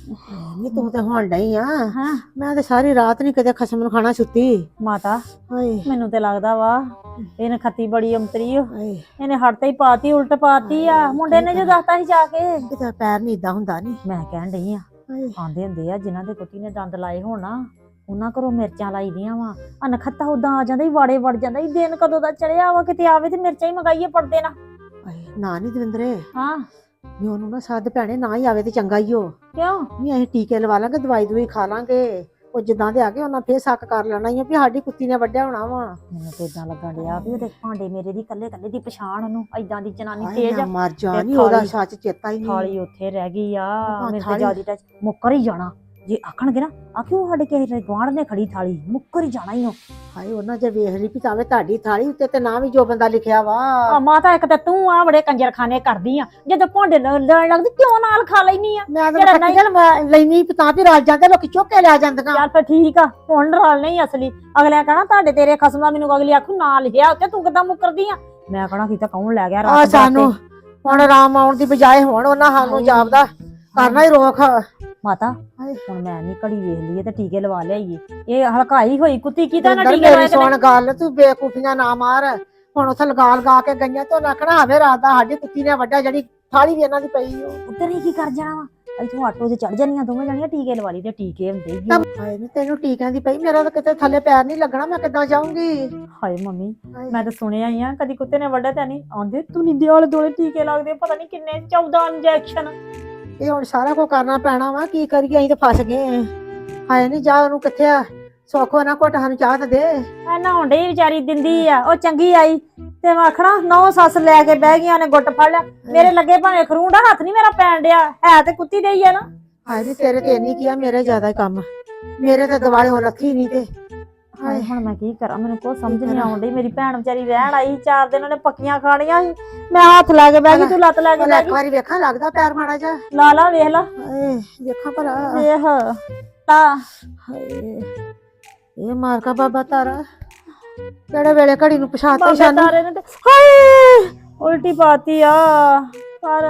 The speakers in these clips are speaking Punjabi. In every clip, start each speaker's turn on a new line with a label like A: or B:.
A: ਨਹੀਂ ਤੂੰ ਤੇ ਹੁਣ ਡਈ ਆ।
B: ਹਾਂ
A: ਮੈਂ ਤੇ ਸਾਰੀ ਰਾਤ ਨਹੀਂ ਕਦੇ ਖਸਮ ਨੂੰ ਖਾਣਾ ਸੁੱਤੀ।
B: ਮਾਤਾ
A: ਹਾਏ
B: ਮੈਨੂੰ ਤੇ ਲੱਗਦਾ ਵਾ ਇਹਨੇ ਖੱਤੀ ਬੜੀ ਅੰਤਰੀ
A: ਹਾਏ
B: ਇਹਨੇ ਹੱਟ ਤੇ ਹੀ ਪਾਤੀ ਉਲਟ ਪਾਤੀ ਆ ਮੁੰਡੇ ਨੇ ਜੋ ਦੱਸਤਾ ਸੀ ਜਾ ਕੇ
A: ਕਿਤੇ ਪੈਰ ਨਹੀਂ ਇਦਾਂ ਹੁੰਦਾ ਨਹੀਂ।
B: ਮੈਂ ਕਹਿਣ ਡਈ ਆ
A: ਹਾਏ
B: ਆਂਦੇ ਹੁੰਦੇ ਆ ਜਿਨ੍ਹਾਂ ਦੇ ਕੁੱਤੀ ਨੇ ਦੰਦ ਲਾਏ ਹੋਣ ਨਾ ਉਹਨਾਂ ਘਰੋਂ ਮਿਰਚਾਂ ਲਾਈ ਦੀਆਂ ਵਾ ਅਨਖੱਤਾ ਉਦਾਂ ਆ ਜਾਂਦਾ ਹੀ ਵਾੜੇ ਵੜ ਜਾਂਦਾ ਹੀ ਦਿਨ ਕਦੋਂ ਦਾ ਚੜਿਆ ਵਾ ਕਿਤੇ ਆਵੇ ਤੇ ਮਿਰਚਾਂ ਹੀ ਮੰਗਾਈਏ ਪੜਦੇ ਨਾ।
A: ਹਾਏ ਨਾ ਨਹੀਂ ਦਵਿੰਦਰੇ
B: ਹਾਂ
A: ਵੀ ਉਹਨੂੰ ਨਾ ਸੱਦ ਭੈਣੇ ਨਾ ਹੀ ਆਵੇ ਤੇ ਚੰਗਾ ਹੀ ਹੋ।
B: ਕਿਉਂ
A: ਨਹੀਂ ਅਸੀਂ ਟੀਕੇ ਲਵਾ ਲਾਂਗੇ ਦਵਾਈ ਦਵਾਈ ਖਾ ਲਾਂਗੇ। ਉਹ ਜਿੱਦਾਂ ਦੇ ਆ ਗਏ ਉਹਨਾਂ ਫੇਰ ਸ਼ੱਕ ਕਰ ਲੈਣਾ ਹੀ ਆ ਵੀ ਸਾਡੀ ਕੁੱਤੀ ਨੇ ਵੱਢਿਆ ਹੋਣਾ ਵਾ।
B: ਮੈਨੂੰ ਤੇ ਇਦਾਂ ਲੱਗਣ ਡਿਆ ਵੀ ਉਹਦੇ ਭਾਂਡੇ ਮੇਰੇ ਦੀ ਕੱਲੇ ਕੱਲੇ ਦੀ ਪਛਾਣ ਉਹਨੂੰ ਏਦਾਂ ਦੀ ਜਨਾਨੀ
A: ਹਾਏ
B: ਤੇਜ਼
A: ਨਾ
B: ਆ
A: ਮਰ ਜਾ
B: ਤੇ
A: ਨਹੀਂ ਉਹਦਾ
B: ਥਾਲੀ-
A: ਸੱਚ ਚੇਤਾ ਹੀ ਨਹੀਂ।
B: ਥਾਲੀ ਉੱਥੇ ਰਹਿ ਗਈ ਆ ਮੇਰੇ ਤੇ
A: ਥਾਲੀ-
B: ਜਿਆਦੀ ਟੱਚ ਮੁੱਕਰ ਹੀ ਜਾਣਾ ਜੇ ਆਖਣਗੇ ਨਾ ਆਖਿਓ ਸਾਡੇ ਕਿਸੇ ਗੁਆਂਢ ਨੇ ਖੜੀ ਥਾਲੀ ਮੁੱਕਰ ਹੀ ਜਾਣਾ ਹੀ ਉਹ।
A: ਹਾਏ ਉਹਨਾਂ ਜੇ ਵੇਖ ਲਈ ਵੀ ਤਾਵੇਂ ਤੁਹਾਡੀ ਥਾਲੀ ਉੱਤੇ ਤੇ ਨਾ ਵੀ ਜੋ ਬੰਦਾ ਲਿਖਿਆ ਵਾ।
B: ਆ ਮਾਤਾ ਇੱਕ ਤੇ ਤੂੰ ਆ ਬੜੇ ਕੰਜਰਖਾਨੇ ਕਰਦੀ ਆ ਜਦੋਂ ਭਾਂਡੇ ਲੈਣ ਲੱਗਦੀ ਕਿਉਂ ਨਾਲ ਖਾ ਲੈਣੀ ਆ
A: ਮੈਂ
B: ਜਿਹੜਾ
A: ਤਾਂ
B: ਨਹੀਂ-
A: ਚੱਲ ਮੈਂ ਲੈਣੀ ਤਾਂ ਵੀ ਰਾਜ ਜਾਂਦੇ ਲੋਕੀ ਚੁੱਕ ਕੇ ਲੈ ਜਾਂਦੀਆਂ।
B: ਚੱਲ ਫਿਰ ਠੀਕ ਆ ਹੁਣ ਰਲ ਨਹੀਂ ਅਸਲੀ ਅਗਲਿਆਂ ਕਹਣਾ ਤੁਹਾਡੇ ਤੇਰੇ ਖਸਮ ਦਾ ਮੈਨੂੰ ਅਗਲੀ ਆਖੂ ਨਾ ਲਿਖਿਆ ਉੱਤੇ ਤੂੰ ਕਿੱਦਾਂ ਮੁੱਕਰਦੀ ਆ ਮੈਂ ਕਹਣਾ ਕੀਤਾ ਕੌਣ ਲੈ ਗਿਆ
A: ਆ
B: ਰਾਤ
A: ਸਾਨੂੰ ਹੁਣ ਆਰਾਮ ਆਉਣ ਦੀ ਬਜਾਏ ਹੁਣ ਉਹਨਾਂ ਸਾਨੂੰ ਜਾਪਦਾ ਕਰਨਾ ਹੀ ਰੋਕ।
B: ਮਾਤਾ ਹੁਣ ਮੈਂ ਨਹੀਂ ਘੜੀ ਵੇਖ ਲਈਏ ਤੇ ਟੀਕੇ ਲਵਾ ਲਿਆਈਏ ਇਹ ਹਲਕਾਈ ਹੋਈ ਕੁੱਤੀ ਕੀ ਤਾਂ ਨਾ
A: ਅੰਦਰ
B: ਟੀਕੇ
A: ਮੇਰੀ
B: ਲਵਾਏ
A: ਸੁਣ ਗੱਲ ਤੂੰ ਬੇਕੂਫੀਆਂ ਨਾ ਮਾਰ। ਹੁਣ ਉੱਥੇ ਲਗਾ ਕੇ ਗਈਆਂ ਤੇ ਉਹਨਾਂ ਆਖਣਾ ਹਵੇ ਰਾਤ ਦਾ ਸਾਡੀ ਕੁੱਤੀ ਨੇ ਵੱਡਾ ਜਿਹੜੀ ਥਾਲੀ ਵੀ ਇਹਨਾਂ ਦੀ ਪਈ ਉਹ।
B: ਉੱਧਰ ਹੀ ਕੀ ਕਰ ਜਾਣਾ ਵਾ ਇੱਥੋਂ ਆਟੋ 'ਚ ਚੜ ਜਾਣੀਆਂ ਦੋਵੇਂ ਜਾਣੀਆਂ ਟੀਕੇ ਲਵਾ ਲਈ ਤੇ ਟੀਕੇ ਹੁੰਦੇ ਹੀ ਆ।
A: ਹਾਏ ਨੀ ਤੈਨੂੰ ਟੀਕਿਆਂ ਦੀ ਪਈ ਮੇਰਾ ਤਾਂ ਕਿਤੇ ਥੱਲੇ ਪੈਰ ਨਹੀਂ ਲੱਗਣਾ ਮੈਂ ਕਿੱਦਾਂ ਜਾਊਂਗੀ।
B: ਹਾਏ ਮੰਮੀ ਮੈਂ ਤਾਂ ਸੁਣਿਆ ਹੀ ਆ ਕਦੀ ਕੁੱਤੇ ਨੇ ਵੱਢਿਆ ਤਾਂ ਨਹੀਂ ਆਉਂਦੇ ਤੂੰ ਨੀ ਦਿਵਾਲੇ ਦੋਲੇ ਟੀਕੇ ਲੱਗਦੇ ਪਤਾ ਨਹੀਂ ਕਿੰਨੇ 14 ਇੰਜੈਕਸ਼ਨ।
A: ਇਹ ਹੁਣ ਸਾਰਾ ਕੁਝ ਕਰਨਾ ਪੈਣਾ ਵਾ ਕੀ ਕਰੀਏ ਅਸੀਂ ਤਾਂ ਫਸ ਗਏ। ਹਾਏ ਨਹੀਂ ਜਾ ਉਹਨੂੰ ਕਿੱਥੇ ਆ ਸੋਖੋ ਨਾ ਘੁੱਟ ਸਾਨੂੰ ਚਾਹ ਤੇ ਦੇ।
B: ਐ ਨਹਾਉਣ ਡਈ ਵਿਚਾਰੀ ਦਿੰਦੀ ਆ ਉਹ ਚੰਗੀ ਆਈ ਤੇ ਮੈਂ ਆਖਣਾ ਨੌ ਸੱਸ ਲੈ ਕੇ ਬਹਿ ਗਈਆਂ ਨੇ ਗੁੱਟ ਫੜ ਲਿਆ ਮੇਰੇ ਲੱਗੇ ਭਾਵੇਂ ਖਰੂੰਡਾ ਹੱਥ ਨਹੀਂ ਮੇਰਾ ਪੈਣ ਡਿਆ ਹੈ ਤੇ ਕੁੱਤੀ ਦੇ ਹੀ ਆ ਨਾ।
A: ਹਾਏ ਨੀ ਤੇਰੇ ਤੇ ਨਹੀਂ ਕੀਆ ਮੇਰੇ ਜ਼ਿਆਦਾ ਹੀ ਕੰਮ ਮੇਰੇ ਤੇ ਦਿਵਾਲੇ ਹੋ ਰੱਖੀ ਨਹੀਂ ਤੇ।
B: ਹਾਏ ਹੁਣ ਮੈਂ ਕੀ ਕਰਾਂ ਮੈਨੂੰ ਕੋਈ ਸਮਝ ਨਹੀਂ ਆਉਂਦੀ ਮੇਰੀ ਭੈਣ ਵਿਚਾਰੀ ਰਹਿਣ ਆਈ 4 ਦਿਨ ਉਹਨੇ ਪੱਕੀਆਂ ਖਾਣੀਆਂ ਸੀ ਮੈਂ ਹੱਥ ਲਾ ਕੇ ਬਹਿ ਗਈ ਤੂੰ ਲੱਤ ਲੈ ਕੇ ਬਹਿ
A: ਇੱਕ
B: ਗਈ
A: ਵਾਰੀ ਵੇਖਾਂ ਲੱਗਦਾ ਪੈਰ ਮਾੜਾ ਜਾ
B: ਲਾ ਲਾ ਵੇਖ ਲਾ
A: ਹਾਏ ਵੇਖਾਂ ਭਲਾ
B: ਵੇਖ ਤਾਂ
A: ਹਾਏ ਇਹ ਮਾਰ ਕਾ ਬਾਬਾ ਤਾਰਾ ਕਿਹੜੇ ਵੇਲੇ ਘੜੀ ਨੂੰ ਪਛਾਤਾ
B: ਬਾਬੇ
A: ਸਾਨੂੰ।
B: ਤਾਰੇ ਨੇ ਤੇ ਹਾਏ ਉਲਟੀ ਪਾਤੀ ਆ ਪਰ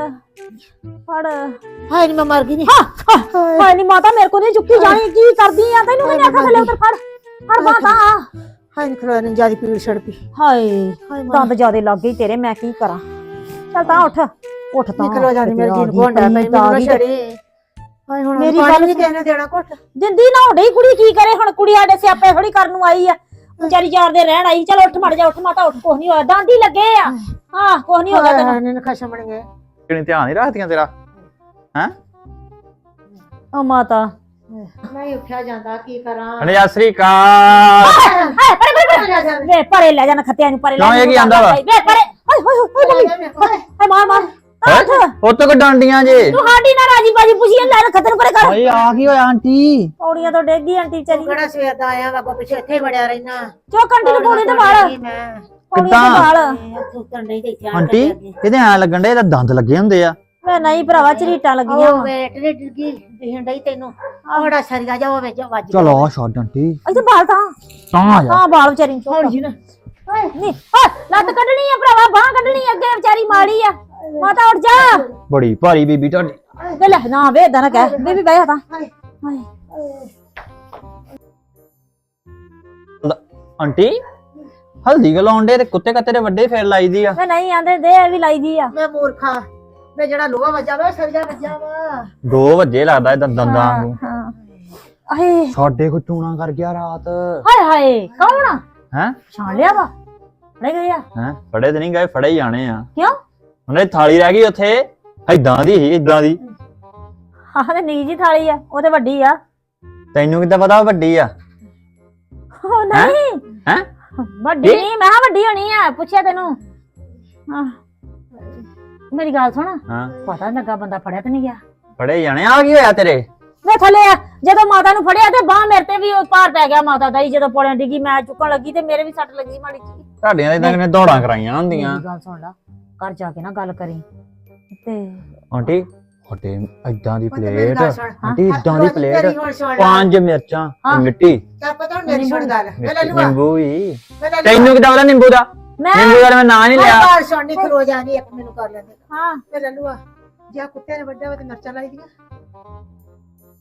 B: ਫੜ
A: ਹਾਏ ਨੀ ਮੈਂ ਮਰ ਗਈ ਨੀ।
B: ਹਾਏ ਨੀ ਮਾਤਾ ਮੇਰੇ ਕੋਲ ਨਹੀਂ ਚੁੱਕੀ ਜਾਣੀ ਕੀ ਕਰਦੀ ਆ ਤੈਨੂੰ ਵੀ ਆਖਾ ਥੱਲੇ ਉਧਰ ਫੜ ਫੜ ਮਾਤਾ
A: ਹਾਏ ਨੀ ਖਲੋ ਨੀ ਜਿਆਦੀ ਪੀੜ ਛੜ ਪਈ।
B: ਹਾਏ
A: ਹਾਏ
B: ਦੰਦ ਜਿਆਦੇ ਲੱਗ ਗਈ ਤੇਰੇ ਮੈਂ ਕੀ ਕਰਾਂ ਚੱਲ ਤਾਂ ਉੱਠ ਉੱਠ ਤਾਂ
A: ਨਿਕਲੋ ਜਾਂਦੀ ਮੇਰੀ ਜੀਨ ਕੋਂਡਾ ਪਈ ਮੈਨੂੰ ਛੜੀ। ਹਾਏ ਹੁਣ
B: ਮੇਰੀ
A: ਪਾਣੀ
B: ਗੱਲ
A: ਨਹੀਂ ਦੇਣਾ ਦੇਣਾ ਘੁੱਟ।
B: ਜਿੰਦੀ ਨਾ ਹੋਣੀ ਕੁੜੀ ਕੀ ਕਰੇ ਹੁਣ ਕੁੜੀ ਸਾਡੇ ਸਿਆਪੇ ਥੋੜੀ ਕਰਨ ਨੂੰ ਆਈ ਆ ਵਿਚਾਰੀ 4 ਦੇ ਰਹਿਣ ਆਈ ਚਲ ਉੱਠ ਮੜ ਜਾ ਉੱਠ ਮਾਤਾ ਉੱਠ ਕੁਛ ਨਹੀਂ ਹੋਇਆ ਡਾਂਡੀ ਲੱਗੇ ਆ ਹਾਂ ਕੁਛ ਨਹੀਂ ਹੋਗਾ ਤੈਨੂੰ
A: ਨੇ ਖਸ਼ਮ ਬਣ ਗਏ
C: ਕਿਹਨੇ ਧਿਆਨ ਨਹੀਂ ਰੱਖਦੀਆਂ ਤੇਰਾ ਹੈ
B: ਓ ਮਾਤਾ
A: ਨਹੀਂ ਉੱਠਿਆ ਜਾਂਦਾ ਕੀ ਕਰਾਂ।
C: ਅਨੇ ਸਤਿ ਸ੍ਰੀ ਅਕਾਲ
B: ਹਾਏ ਪਰੇ ਵੇ ਪਰੇ ਲੈ ਜਾਣਾ ਖੱਤਿਆਂ ਨੂੰ ਪਰੇ ਲੈ
C: ਕਿਉਂ ਇਹ ਕੀ ਆਂਦਾ ਵਾ?
B: ਵੇ ਪਰੇ ਹਾਏ ਹਾਏ ਹਾਏ ਮਾਰ ਮਾਰ
C: ਉਹ ਤੋਂ ਡਾਂਡੀਆਂ ਜੇ
B: ਤੂੰ ਸਾਡੀ ਨਾ ਰਾਜੀ ਬਾਜੀ ਪੁੱਛੀ ਲੈ ਖੱਤਰ ਪਰੇ ਕਰ
C: ਓਏ ਆ ਕੀ ਹੋਇਆ ਆਂਟੀ
B: ਪੌੜੀਆਂ ਤੋਂ ਡੇਗੀ ਆਂਟੀ ਵਿਚਾਰੀ
A: ਕਿਹੜਾ ਸਵੇਰ ਦਾ ਆਇਆ ਵਾ ਪਿੱਛੇ ਇੱਥੇ ਵੜਿਆ ਰਹਿਣਾ।
B: ਚੋ ਕੰਟੀ ਨੂੰ ਪੌੜੀ ਤੇ ਵਾਲ
A: ਮੈਂ
B: ਪੌੜੀਆਂ ਤੇ ਵਾਲ
A: ਸੁੱਤਣ ਨਹੀਂ ਤੇ ਇੱਥੇ
C: ਆਂਟੀ ਇਹਦੇ ਐ ਲੱਗਣ ਡੇ ਇਹਦਾ ਦੰਦ ਲੱਗੇ ਹੁੰਦੇ ਆ।
B: ਵੇ ਨਹੀਂ ਭਰਾਵਾ ਝਰੀਟਾਂ ਲੱਗੀਆਂ
A: ਉਹ ਵੇਟ ਨੇ ਡਿੱਗੀ ਦਿਹਣ ਡਈ ਤੈਨੂੰ ਆ ਬੜਾ ਸਰੀਆ ਜਾ ਉਹ ਵਿੱਚ ਵੱਜ
C: ਚਲ ਆ ਛੱਡ ਆਂਟੀ
B: ਇੱਥੇ ਬਾਲ ਤਾਂ
C: ਤਾਂ ਆ ਜਾ
B: ਹਾਂ ਬਾਲ ਵਿਚਾਰੀ ਨੂੰ
A: ਹੌਲੀ ਜੀ ਨਾ
B: ਨਹੀਂ ਹਾਂ ਲੱਤ ਕੱਢਣੀ ਆ ਭਰਾਵਾ ਬਾਹ ਕੱਢਣੀ ਅੱਗੇ ਵਿਚਾਰੀ ਮਾੜੀ ਆ ਮਾਤਾ ਉੱਠ ਜਾ
C: ਬੜੀ ਭਾਰੀ ਬੀਬੀ ਤੁਹਾਡੀ।
B: ਵੇ ਲੈ ਨਾ ਵੇ ਏਦਾਂ ਨਾ ਕਹਿ ਬੀਬੀ ਬਹਿ ਜਾ ਤਾਂ ਹਾਏ
C: ਆਂਟੀ ਹਲਦੀ ਗਲਾਉਣ ਡੇ ਤੇ ਕੁੱਤੇ ਕੱਤੇ ਦੇ ਵੱਡੇ ਫੇਰ ਲਾਈਦੀ ਆ।
B: ਵੇ ਨਹੀਂ ਆਂਦੇ ਦੇ ਇਹ ਵੀ ਲਾਈ ਦੀ ਆ
A: ਮੈਂ ਮੂਰਖਾ ਮੈਂ ਜਿਹੜਾ ਲੋਹਾ ਵੱਜਾ ਵਾ ਸਰੀਆ ਵੱਜਾ ਵਾ।
C: 2 ਵਜੇ ਲੱਗਦਾ ਇਹ ਦੰਦਾਂ ਨੂੰ।
B: ਹਾਂ ਹਾਏ
C: ਸਾਡੇ ਕੋ ਚੂਣਾ ਕਰ ਗਿਆ ਰਾਤ।
B: ਹਾਏ ਹਾਏ ਕੌਣ
C: ਹੈ
B: ਛਾਣ ਲਿਆ ਵਾ ਫੜੇ ਗਏ ਆ
C: ਹੈ ਫੜੇ ਤੇ ਨਹੀਂ ਗਏ ਫੜੇ ਹੀ ਜਾਣੇ ਆ।
B: ਕਿਉਂ
C: ਉਹਨੇ ਥਾਲੀ ਰਹਿ ਗਈ ਉੱਥੇ ਏਦਾਂ ਦੀ ਸੀ ਏਦਾਂ ਦੀ।
B: ਆਹ ਤੇ ਨਿੱਕੀ ਜੀ ਥਾਲੀ ਆ ਉਹ ਤੇ ਵੱਡੀ ਆ
C: ਤੈਨੂੰ ਕਿੱਦਾਂ ਪਤਾ ਉਹ ਵੱਡੀ ਆ?
B: ਉਹ ਨਹੀਂ
C: ਹੈ
B: ਵੱਡੀ ਨਹੀਂ ਮੈਂ ਕਿਹਾ ਵੱਡੀ ਹੋਣੀ ਆ ਪੁੱਛਿਆ ਤੈਨੂੰ ਹਾਂ ਮੇਰੀ ਗੱਲ ਸੁਣ
C: ਹਾਂ
B: ਪਤਾ ਨੀ ਲੱਗਾ ਬੰਦਾ ਫੜਿਆ ਤੇ ਨਹੀਂ ਗਿਆ
C: ਫੜੇ ਜਾਣੇ ਆ ਕੀ ਹੋਇਆ ਤੇਰੇ?
B: ਵੇ ਥੱਲੇ ਆ ਜਦੋਂ ਮਾਤਾ ਨੂੰ ਫੜਿਆ ਤੇ ਬਾਹ ਮੇਰੇ ਤੇ ਵੀ ਉਹ ਭਾਰ ਪੈ ਗਿਆ ਮਾਤਾ ਦਾ ਹੀ ਜਦੋਂ ਪੌੜਿਆਂ ਡਿੱਗੀ ਮੈਂ ਚੁੱਕਣ ਲੱਗੀ ਤੇ ਮੇਰੇ ਵੀ ਸੱਟ ਲੱਗੀ ਮਾੜੀ ਜੀ।
C: ਤੁਹਾਡੀਆਂ ਤਾਂ ਇਦਾਂ ਕਿਵੇਂ ਦੌੜਾਂ ਕਰਾਈਆਂ ਹੁੰਦੀਆਂ।
B: ਮੇਰੀ ਗੱਲ ਸੁਣ ਲਾ ਘਰ ਜਾ ਕੇ ਨਾ ਗੱਲ ਕਰੀ ਤੇ
C: ਆਂਟੀ ਸਾਡੇ ਏਦਾਂ ਦੀ
A: ਉਹ ਤੇ ਮੇਰੀ
C: ਪਲੇਟ
A: ਗੱਲ ਸੁਣ।
C: ਆਂਟੀ ਏਦਾਂ ਦੀ ਪਲੇਟ
A: ਮੇਰੀ ਹੁਣ ਸੁਣ ਲੈ।
C: 5 ਮਿਰਚਾਂ
B: ਹਾਂ।
C: ਮਿੱਟੀ
A: ਚੱਲ ਪਤਾ ਹੁਣ ਮੇਰੀ ਸੁਣ ਗੱਲ ਮੈਂ ਲੈ ਲੂਆ
C: ਨਿੰਬੂ ਵੀ।
A: ਮੈਂ ਲੈ
C: ਤੈਨੂੰ ਕਿੱਦਾਂ ਪਤਾ ਨਿੰਬੂ ਦਾ?
B: ਮੈਂ
C: ਨਿੰਬੂ ਦਾ ਮੈਂ ਨਾਂ ਨਹੀਂ ਲਿਆ।
A: ਬਾਹਰ ਸੁਣਨੀ ਖਲੋ ਜਾਣੀ ਇੱਕ ਮੈਨੂੰ ਕਰ ਲੈਂਦੇ
B: ਹਾਂ
A: ਮੈਂ ਲੈ ਲੂਆ ਜੇ ਕੁੱਤੇ ਨੇ ਵੱਡਾ ਵਾ ਤੇ ਮਿਰਚਾਂ ਲਾਈ ਦੀਆਂ